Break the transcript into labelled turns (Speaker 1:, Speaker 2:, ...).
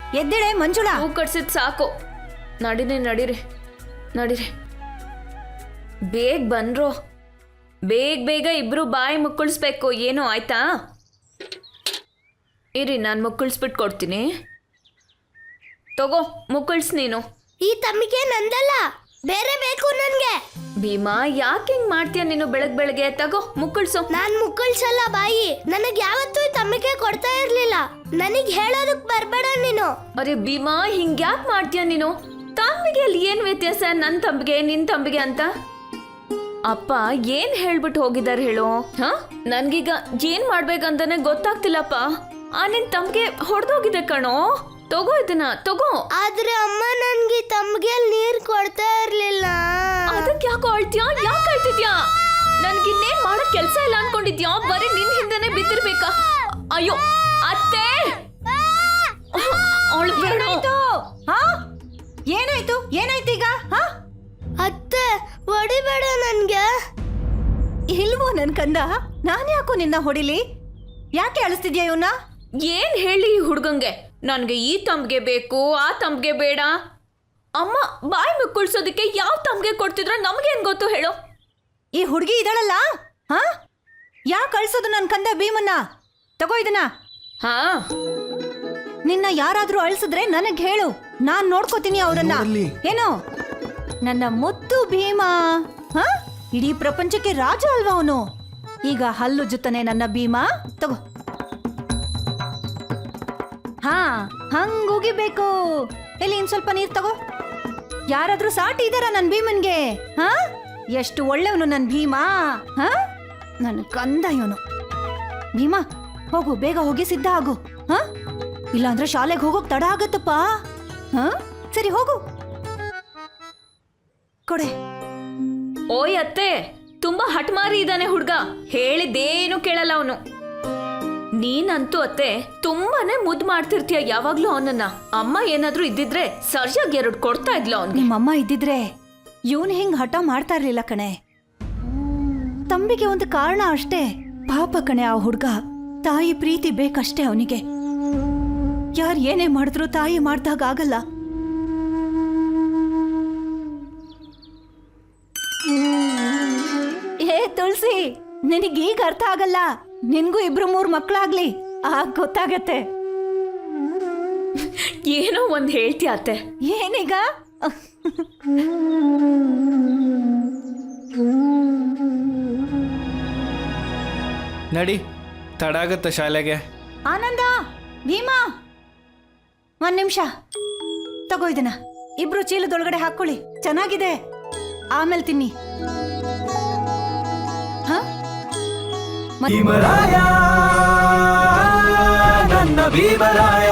Speaker 1: ಎದ್ದೇಳೆ ಮಂಜುಳಾ.
Speaker 2: ಹೂ ಕಟ್ಸಿದ್ ಸಾಕು. ನಡೀರಿ ಬೇಗ ಬನ್ರೋ. ಬೇಗ ಇಬ್ರು ಬಾಯಿ ಮುಕ್ಕಳಿಸ್ಬೇಕು. ಏನು ಆಯ್ತಾ? ಇರಿ, ನಾನು ಮುಕ್ಕಳಿಸ್ಬಿಟ್ಟು ಕೊಡ್ತೀನಿ. ತಗೋ ಮುಕ್ಕಳಿಸ್ ನೀನು.
Speaker 3: ಈ ತಮ್ಮಿಗೆ ನಂದಲ್ಲ, ಬೇರೆ ಬೇಕು ನನ್ಗೆ.
Speaker 2: ಭೀಮಾ, ಯಾಕೆ ಹಿಂಗ್ ಮಾಡ್ತೀಯ ನೀನು ಬೆಳಗ್ಗೆ? ತಗೋ ಮುಕ್ಕಳಿಸು.
Speaker 3: ನಾನ್ ಮುಕ್ಕಳ್ಸಲ್ಲ ಬಾಯಿ. ನನಗ್ ಯಾವತ್ತೂ ಈ ತಮ್ಮಿಗೆ ಕೊಡ್ತಾ ಇರ್ಲಿಲ್ಲ. ನನಗ್ ಹೇಳೋದಕ್ ಬರ್ಬೇಡ ನೀನು.
Speaker 2: ಅರೆ ಭೀಮಾ, ಹಿಂಗ್ಯಾಕ್ ಮಾಡ್ತೀಯ ನೀನು? ತಂಬಿಗೆ ಅಲ್ಲಿ ಏನ್ ವ್ಯತ್ಯಾಸ ನನ್ ತಂಬಿಗೆ ನಿನ್ ತಂಬಿಗೆ ಅಂತ? ಅಪ್ಪ ಏನ್ ಹೇಳ್ಬಿಟ್ಟು ಹೋಗಿದಾರೆ ಹೇಳು? ನನ್ಗೀಗ ಏನ್ ಮಾಡ್ಬೇಕಂತಾನೆ ಗೊತ್ತಾಗ್ತಿಲ್ಲಪ್ಪ. ನಿನ್ ತಮ್ಗೆ ಹೊಡೆದೋಗಿದೆ ಕಣೋ. ತಗೋ ಇದನ್ನ ತಗೋ.
Speaker 3: ಆದ್ರೆ ಅಮ್ಮ ನನ್ಗೆ ತಮ್ಗೆ ನೀರ್ ಕೊಡ್ತಾ ಇರ್ಲಿಲ್ಲ.
Speaker 2: ಅದಕ್ಕೆ ಯಾಕೋ ಅಳ್ತೀಯ? ಯಾಕೆ ಅಳ್ತಿದ್ಯಾ? ನನ್ಗಿನ್ನೇನ್ ಮಾಡಕ್ ಕೆಲ್ಸ ಇಲ್ಲ ಅನ್ಕೊಂಡಿದ್ಯಾ? ಬರೀ ನಿನ್ ಹಿಂದೆನೆ ಬಿದ್ದಿರ್ಬೇಕಾ? ಅಯ್ಯೋ ಅತ್ತೆ,
Speaker 1: ಏನಾಯ್ತು ಈಗ?
Speaker 3: ಅತ್ತೆ ಹೊಡಿಬೇಡ ನನ್ಗೆ.
Speaker 1: ಇಲ್ವೋ ನನ್ ಕಂದ, ನಾನ್ ಯಾಕೋ ನಿನ್ನ ಹೊಡಿಲಿ? ಯಾಕೆ ಅಳಿಸ್ತಿದ್ಯಾ ಇವನ್ನ?
Speaker 2: ಏನ್ ಹೇಳಿ ಈ ಹುಡ್ಗಂಗೆ? ನನ್ಗೆ ಈ ತಂಬ್ಗೆ ಬೇಕು, ಆ ತಂಬ್ಗೆ ಬೇಡ. ಅಮ್ಮ ಬಾಯಿ ಮುಕ್ಕುಳ್ಸೋದಕ್ಕೆ ಯಾವ ತಂಬ್ಗೆ ಕೊಡ್ತಿದ್ರ ನಮ್ಗೇನ್ ಗೊತ್ತು ಹೇಳು?
Speaker 1: ಈ ಹುಡುಗಿ ಇದಳಲ್ಲ, ಯಾಕೆ ಅಳ್ಸೋದು ನನ್ ಕಂದ ಭೀಮನ್ನ? ತಗೋ ಇದನ್ನ. ನಿನ್ನ ಯಾರಾದ್ರೂ ಅಳ್ಸಿದ್ರೆ ನನಗ್ ಹೇಳು, ನಾನ್ ನೋಡ್ಕೋತೀನಿ ಅವ್ರನ್ನ. ಏನು ನನ್ನ ಮುತ್ತು ಭೀಮ? ಇಡೀ ಪ್ರಪಂಚಕ್ಕೆ ರಾಜ ಅಲ್ವಾ ಅವನು? ಈಗ ಹಲ್ಲು ಜುತ್ತನೆ ನನ್ನ ಭೀಮ. ತಗೋ. ಹಂಗುಗಿಬೇಕು. ಎಲ್ಲಿ ಇನ್ ಸ್ವಲ್ಪ ನೀರ್ ತಗೋ. ಯಾರಾದ್ರೂ ಸಾಟಿ ಇದಾರ ನನ್ ಭೀಮನ್ಗೆ? ಎಷ್ಟು ಒಳ್ಳೆಯವನು ನನ್ ಭೀಮ. ನನ್ ಕಂದ ಇವನು. ಭೀಮ ಹೋಗು, ಬೇಗ ಹೋಗಿ ಸಿದ್ಧ ಆಗು. ಇಲ್ಲಾಂದ್ರೆ ಶಾಲೆಗೆ ಹೋಗೋಕ್ ತಡ ಆಗತ್ತಪ್ಪ. ಸರಿ ಹೋಗು. ಕೊಡೆ.
Speaker 2: ಓಯ್ ಅತ್ತೆ, ತುಂಬಾ ಹಠಮಾರಿ ಇದ್ದಾನೆ ಹುಡ್ಗ. ಹೇಳಿದ್ದೇನು ಕೇಳಲ್ಲ ಅವನು. ನೀನಂತೂ ಅತ್ತೆ ತುಂಬಾನೇ ಮುದ್ದು ಮಾಡ್ತಿರ್ತೀಯ ಯಾವಾಗ್ಲೂ ಅವನನ್ನ. ಅಮ್ಮ ಏನಾದ್ರೂ ಇದ್ದಿದ್ರೆ ಸರ್ಯಾಗಿ 2 ಕೊಡ್ತಾ ಇದ್ಲು ಅವ್ನು.
Speaker 1: ನಿಮ್ಮಮ್ಮ ಇದ್ದಿದ್ರೆ ಇವನು ಹಿಂಗ್ ಹಠ ಮಾಡ್ತಾ ಇರ್ಲಿಲ್ಲ ಕಣೆ. ತಂಬಿಗೆ ಒಂದು ಕಾರಣ ಅಷ್ಟೇ. ಪಾಪ ಕಣೆ ಆ ಹುಡ್ಗ. ತಾಯಿ ಪ್ರೀತಿ ಬೇಕಷ್ಟೇ ಅವನಿಗೆ. ಯಾರು ಏನೇ ಮಾಡಿದ್ರು ತಾಯಿ ಮಾಡ್ದಾಗ ಆಗಲ್ಲ. ತುಳಸಿ, ನಿನಗೀಗ ಅರ್ಥ ಆಗಲ್ಲ. ನಿನ್ಗೂ 2-3 ಮಕ್ಕಳಾಗ್ಲಿ, ಆಗ ಗೊತ್ತಾಗತ್ತೆ.
Speaker 2: ಏನೋ ಒಂದ್ ಹೇಳ್ತೀಯ ಅತ್ತೆ.
Speaker 1: ಏನೀಗ?
Speaker 4: ನಡಿ, ತಡ ಆಗತ್ತ ಶಾಲೆಗೆ.
Speaker 1: ಆನಂದ, ಭೀಮಾ, 1 ನಿಮಿಷ ತಗೋ ಇದನ್ನ. ಇಬ್ರು ಚೀಲದೊಳಗಡೆ ಹಾಕೊಳ್ಳಿ. ಚೆನ್ನಾಗಿದೆ, ಆಮೇಲೆ ತಿನ್ನಿ.
Speaker 5: ಭೀಮರಾಯ, ನನ್ನ ಭೀಮರಾಯ.